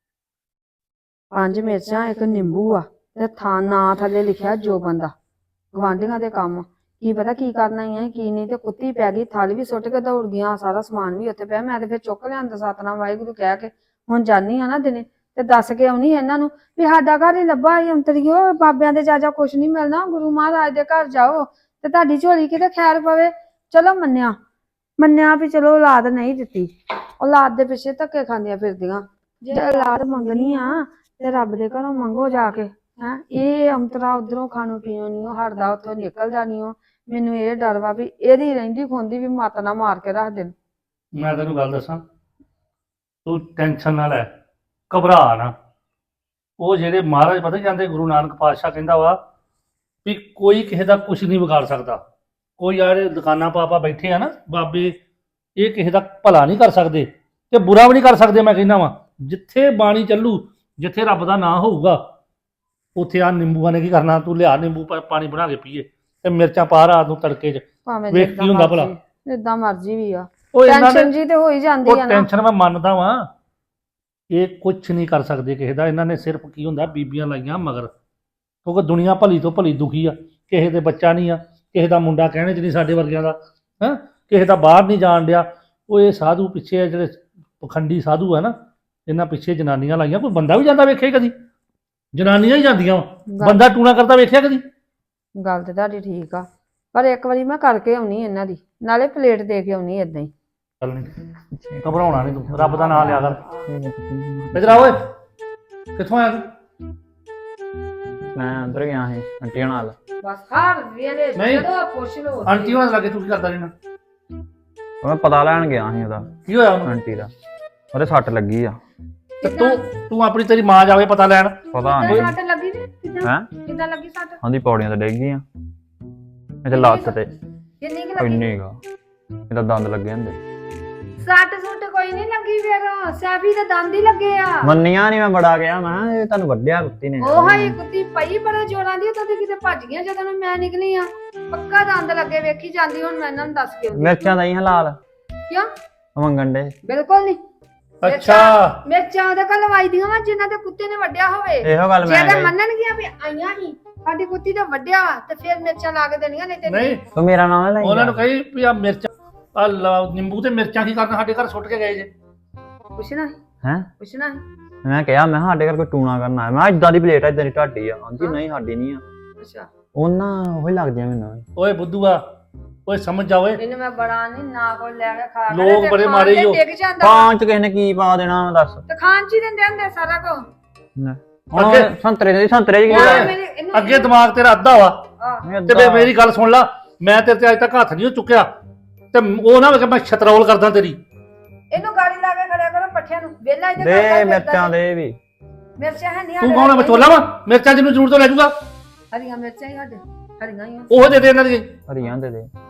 F: 5 ਮਿਰਚਾਂ, ਇੱਕ ਨਿੰਬੂ ਆ, ਤੇ ਨਾਂ ਥੱਲੇ ਲਿਖਿਆ ਜੋ ਬੰਦਾ। ਗਵਾਂਢੀਆਂ ਦੇ ਕੰਮ ਕੀ ਪਤਾ ਕੀ ਕਰਨਾ ਹੀ ਹੈ ਕੀ ਨਹੀਂ। ਤੇ ਕੁੱਤੀ ਪੈ ਗਈ, ਥਾਲੀ ਵੀ ਸੁੱਟ ਕੇ ਦੌੜ ਗਈਆਂ, ਸਾਰਾ ਸਮਾਨ ਵੀ ਉੱਥੇ ਪਿਆ। ਮੈਂ ਤੇ ਫਿਰ ਚੁੱਕ ਲਿਆਂਦਾ, ਸਤਨਾਮ ਵਾਹਿਗੁਰੂ ਕਹਿ ਕੇ। ਹੁਣ ਜਾਨੀ ਆ ਨਾ ਦਿਨੇ ਤੇ ਦੱਸ ਕੇ ਆਉਣੀ ਇਹਨਾਂ ਨੂੰ ਵੀ ਸਾਡਾ ਘਰ ਹੀ ਲੱਭਾ ਹੀ ਅੰਤਰੀਓ, ਬਾਬਿਆਂ ਦੇ ਜਾਜਾ ਕੁਛ ਨਹੀਂ ਮਿਲਣਾ, ਗੁਰੂ ਮਹਾਰਾਜ ਦੇ ਘਰ ਜਾਓ ਤੇ ਤੁਹਾਡੀ ਝੋਲੀ ਕਿਤੇ ਖੈਰ ਪਵੇ। ਚਲੋ ਮੰਨਿਆ ਵੀ ਚਲੋ ਔਲਾਦ ਨਹੀਂ ਦਿੱਤੀ, ਔਲਾਦ ਦੇ ਪਿੱਛੇ ਧੱਕੇ ਖਾਂਦੀਆਂ ਫਿਰਦੀਆਂ। ਜੇ ਔਲਾਦ ਮੰਗਣੀ ਆ ਤੇ ਰੱਬ ਦੇ ਘਰੋਂ ਮੰਗੋ ਜਾ ਕੇ। ਹੈਂ, ਇਹ ਅੰਤਰਾ ਉਧਰੋਂ ਖਾਣੋਂ ਪੀਣੋਂ ਨਹੀਂ ਹਟਦਾ, ਉੱਥੋਂ ਨਿਕਲਦਾ ਨਹੀਂ। ਮੈਨੂੰ ਇਹ ਡਰ ਵਾ ਵੀ ਇਹਦੀ ਰਹਿੰਦੀ ਖੁੰਦੀ ਵੀ ਮੱਤ ਨਾ ਮਾਰ ਕੇ ਰੱਖ ਦੇਣ।
E: ਮੈਂ ਤੈਨੂੰ ਗੱਲ ਦੱਸਾਂ, ਤੂੰ ਟੈਨਸ਼ਨ ਨਾ ਲੈ, ਘਬਰਾ ਨਾ। ਉਹ ਜਿਹੜੇ ਮਹਾਰਾਜ ਪਤਾ ਜਾਂਦੇ, ਗੁਰੂ ਨਾਨਕ ਪਾਤਸ਼ਾਹ ਕਹਿੰਦਾ ਵਾ ਵੀ ਕੋਈ ਕਿਸੇ ਦਾ ਕੁਝ ਨਹੀਂ ਵਿਗਾੜ ਸਕਦਾ। ਕੋਈ ਯਾਰ ਦੁਕਾਨਾਂ ਪਾ ਬੈਠੇ ਆ ਨਾ ਬਾਬੇ, ਇਹ ਕਿਸੇ ਦਾ ਭਲਾ ਨਹੀਂ ਕਰ ਸਕਦੇ ਤੇ ਬੁਰਾ ਵੀ ਨਹੀਂ ਕਰ ਸਕਦੇ। ਮੈਂ ਕਹਿੰਦਾ ਵਾਂ ਜਿੱਥੇ ਬਾਣੀ ਚੱਲੂ, ਜਿੱਥੇ ਰੱਬ ਦਾ ਨਾਂ ਹੋਊਗਾ, ਉੱਥੇ ਆ ਨਿੰਬੂਆਂ ਨੇ ਕੀ ਕਰਨਾ। ਤੂੰ ਲਿਆ ਨਿੰਬੂ ਪਾਣੀ ਬਣਾ ਕੇ ਪੀਏ ਤੇ ਮਿਰਚਾਂ ਪਾ ਰਾਤ ਨੂੰ ਤੜਕੇ 'ਚ,
F: ਭਾਵੇਂ
E: ਵੇਖ ਕੀ ਹੁੰਦਾ ਭਲਾ।
F: ਜਿੱਦਾਂ ਮਰਜ਼ੀ ਵੀ ਆ,
E: ਉਹ ਇਹਨਾਂ
F: ਟੈਨਸ਼ਨ
E: ਨੇ
F: ਜੀ ਤੇ ਹੋ ਹੀ ਜਾਂਦੀ
E: ਉਹ
F: ਆ ਨਾ।
E: ਟੈਨਸ਼ਨ ਮੈਂ ਮੰਨਦਾ ਵਾਂ, ਇਹ ਕੁਝ ਨਹੀਂ ਕਰ ਸਕਦੇ ਕਿਸੇ ਦਾ। ਇਹਨਾਂ ਨੇ ਸਿਰਫ ਕੀ ਹੁੰਦਾ ਬੀਬੀਆਂ ਲਾਈਆਂ ਮਗਰ, ਕਿਉਂਕਿ ਦੁਨੀਆ ਭਲੀ ਤੋਂ ਭਲੀ ਦੁਖੀ ਆ। ਕਿਸੇ ਦੇ ਬੱਚਾ ਨਹੀਂ ਆ, ਕਿਸੇ ਦਾ ਮੁੰਡਾ ਕਹਿਣੇ 'ਚ ਨਹੀਂ ਸਾਡੇ ਵਰਗਿਆਂ ਦਾ, ਹੈਂ, ਕਿਸੇ ਦਾ ਬਾਹਰ ਨਹੀਂ ਜਾਣ ਡਿਆ। ਉਹ ਇਹ ਸਾਧੂ ਪਿੱਛੇ ਜਿਹੜੇ ਪਖੰਡੀ ਸਾਧੂ ਆ ਨਾ, ਇਹਨਾਂ ਪਿੱਛੇ ਜਨਾਨੀਆਂ ਲਾਈਆਂ। ਕੋਈ ਬੰਦਾ ਵੀ ਜਾਂਦਾ ਵੇਖਿਆ ਕਦੀ? ਜਨਾਨੀਆਂ ਹੀ ਜਾਂਦੀਆਂ ਵਾ, ਬੰਦਾ ਟੂਣਾ ਕਰਦਾ ਵੇਖਿਆ ਕਦੀ?
F: ਗੱਲ ਤੇ ਤੁਹਾਡੀ ਠੀਕ ਆ, ਪਰ ਇੱਕ ਵਾਰੀ ਮੈਂ ਕਰਕੇ ਆਉਣੀ ਇਹਨਾਂ ਦੀ, ਨਾਲੇ ਪਲੇਟ ਦੇ ਕੇ ਆਉਣੀ ਏਦਾਂ ਹੀ।
E: ਚੱਲ ਨਹੀਂ, ਘਬਰਾਉਣਾ ਨਹੀਂ ਤੂੰ, ਰੱਬ ਦਾ ਨਾਮ ਲਿਆ ਕਰ। ਇੱਧਰ ਆ ਓਏ, ਕਿੱਥੋਂ ਆਇਆ ਤੂੰ?
C: ਮੈਂ ਅੰਦਰ ਗਿਆ ਸੀ ਆਂਟੀ ਨਾਲ।
F: ਬਸ ਹਰ ਵੇਲੇ
E: ਨਹੀਂ।
F: ਜਦੋਂ ਪੁੱਛ ਲਓ
E: ਆਂਟੀ ਹੋਣਾ ਲੱਗੇ ਤੂੰ ਕੀ ਕਰਦਾ ਰਹਿਣਾ?
C: ਮੈਂ ਪਤਾ ਲੈਣ ਗਿਆ ਸੀ ਉਹਦਾ,
E: ਕੀ ਹੋਇਆ ਉਹਨੂੰ?
C: ਆਂਟੀ ਦਾ ਉਹਦੇ ਸੱਟ ਲੱਗੀ ਆ।
E: ਤੇ ਤੂੰ ਆਪਣੀ ਤੇਰੀ ਮਾਂ ਜਾਵੇ ਪਤਾ ਲੈਣ।
C: ਪਤਾ ਨਹੀਂ
F: ਸੱਟ ਲੱਗੀ ਨੀ?
C: ਹੈ,
F: ਕਿੱਦਾਂ ਲੱਗੀ ਸੱਟ?
C: ਉਹਦੀ ਪੌੜੀਆਂ ਤੇ ਡਿੱਗ ਗਈ ਆ, ਇਹਦੇ ਲੱਤ ਤੇ
F: ਕਿੰਨੀ ਕੁ ਲੱਗੀ?
C: ਇੰਨੀ ਗਾ, ਇਹਦਾ ਦੰਦ ਲੱਗੇ ਹੁੰਦੇ।
F: ਸੱਟ ਸੁੱਟ ਕੋਈ ਨਹੀਂ ਲੱਗੀ, ਫਿਰ ਸੈਫੀ ਦੇ ਦੰਦ ਹੀ ਲੱਗੇ ਆ।
C: ਮੰਨੀਆਂ ਨਹੀਂ, ਮੈਂ ਬੜਾ ਗਿਆ, ਮੈਂ ਕਿਹਾ ਇਹ ਤੁਹਾਨੂੰ ਵੱਢਿਆ ਕੁੱਤੀ ਨੇ।
F: ਉਹ ਹੀ ਕੁੱਤੀ ਪਈ ਬੜੇ ਜੋਰਾਂ ਦੀ, ਤਾਂ ਕਿਤੇ ਭੱਜ ਗਈਆਂ ਜਦੋਂ ਮੈਂ ਨਿਕਲੀ ਆ। ਪੱਕਾ ਦੰਦ ਲੱਗੇ, ਵੇਖੀ ਜਾਂਦੀ। ਹੁਣ ਮੈਂ ਇਹਨਾਂ ਨੂੰ ਦੱਸ ਕੇ ਆਉਂਦੀ।
C: ਮਿਰਚਾਂ ਦਈ ਹਲਾਲ
F: ਕਿਉਂ?
C: ਮੰਗਣ ਦੇ।
F: ਬਿਲਕੁਲ ਨਹੀਂ।
E: ਅੱਛਾ,
F: ਮਿਰਚਾਂ ਉਹਦੇ ਕੋਲ ਲਵਾਈ ਦੀਆਂ ਵਾ ਜਿਨ੍ਹਾਂ ਦੇ ਕੁੱਤੇ ਨੇ ਵੱਢਿਆ ਹੋਵੇ।
C: ਇਹੋ ਗੱਲ
F: ਜੇ
C: ਮੈਂ
F: ਤਾਂ
C: ਕਹੀ।
F: ਮੰਨਣਗੀਆਂ ਵੀ ਆਈਆਂ ਹੀ ਸਾਡੀ ਕੁੱਤੀ ਤੇ ਵੱਢਿਆ ਵਾ, ਤੇ ਫਿਰ ਮਿਰਚਾਂ ਲਾ ਕੇ ਦੇਣੀਆਂ। ਨਹੀਂ ਤੇ
E: ਨਹੀਂ
C: ਤੂੰ ਮੇਰਾ ਨਾਮ ਲੈ
E: ਉਹਨਾਂ ਨੂੰ ਕਹੀ ਵੀ ਆ ਮਿਰਚਾਂ, ਆ ਨਿੰਬੂ ਤੇ ਮਿਰਚਾਂ ਕੀ ਕਰਨ ਸਾਡੇ ਘਰ ਸੁੱਟ ਕੇ ਗਏ ਜੇ?
F: ਪੁੱਛਣਾ
C: ਹੈ।
F: ਪੁੱਛਣਾ
C: ਮੈਂ ਕਿਹਾ ਮੈਂ ਕਿਹਾ ਸਾਡੇ ਘਰ ਕੋਈ ਟੂਣਾ ਕਰਨਾ ਹੈ, ਮੈਂ ਇਦਾਂ ਦੀ ਪਲੇਟ ਆ, ਇਦਾਂ ਦੀ ਢਾਡੀ ਆ। ਆਂਦੀ ਨਹੀਂ ਸਾਡੀ ਨਹੀਂ ਆ।
F: ਅੱਛਾ,
C: ਉਹਨਾਂ ਉਹੀ ਲੱਗਦੀਆਂ ਮੈਨੂੰ।
E: ਓਏ ਬੁੱਧੂਆ, ਓਏ ਸਮਝ ਜਾ ਓਏ,
F: ਇਹਨੂੰ ਮੈਂ ਬੜਾ ਨਹੀਂ ਨਾ ਕੋਈ ਲੈ ਕੇ ਖਾ
E: ਲੋਕ
F: ਤੇ
E: ਬੜੇ
F: ਖਾਣ
E: ਮਾੜੇ
F: ਤੇ
E: ਈ ਓ।
F: ਡਿੱਗ ਜਾਂਦਾ।
C: ਪਾਂਚ ਕਿਸੇ ਨੇ ਕੀ ਪਾ ਦੇਣਾ ਦੱਸ?
F: ਤੇ ਖਾਣ ਚ ਹੀ ਦਿੰਦੇ ਹੁੰਦੇ ਸਾਰਾ ਕੁਝ।
C: ਹੁਣ ਸੰਤਰੇ ਚ ਕੀ
E: ਓਏ, ਅੱਗੇ ਦਿਮਾਗ ਤੇਰਾ ਅੱਧਾ ਵਾ। ਤੇ ਫਿਰ ਮੇਰੀ ਗੱਲ ਸੁਣ ਲਾ, ਮੈਂ ਤੇਰੇ ਤੇ ਅੱਜ ਤੱਕ ਹੱਥ ਨਹੀਂ ਚੁੱਕਿਆ, ਤੇ ਉਹ ਨਾ ਵੇ ਕਿ ਮੈਂ ਛਤਰੌਲ ਕਰਦਾ ਤੇਰੀ।
F: ਇਹਨੂੰ ਗਾੜੀ ਲਾ ਕੇ ਖੜਿਆ ਕਰੋ ਪੱਠਿਆਂ ਨੂੰ, ਵੇਲਾ ਇਹਦੇ
C: ਦੇ ਮਿਰਚਾਂ ਦੇ ਵੀ।
F: ਮਿਰਚਾਂ ਹੈ ਨਹੀਂ।
E: ਤੂੰ ਕੌਣ ਹੈ, ਵਿਚੋਲਾ ਵਾ? ਮਿਰਚਾਂ ਜਿਹਨੂੰ ਜ਼ਰੂਰ ਤੋਂ ਲੈ ਜਾਊਗਾ।
F: ਹਰੀਆਂ ਮਿਰਚਾਂ ਹੀ ਸਾਡੇ, ਹਰੀਆਂ ਹੀ ਆ।
E: ਉਹ ਦੇ ਦੇ ਇਹਨਾਂ ਦੀ।
C: ਹਰੀਆਂ ਦੇ ਦੇ।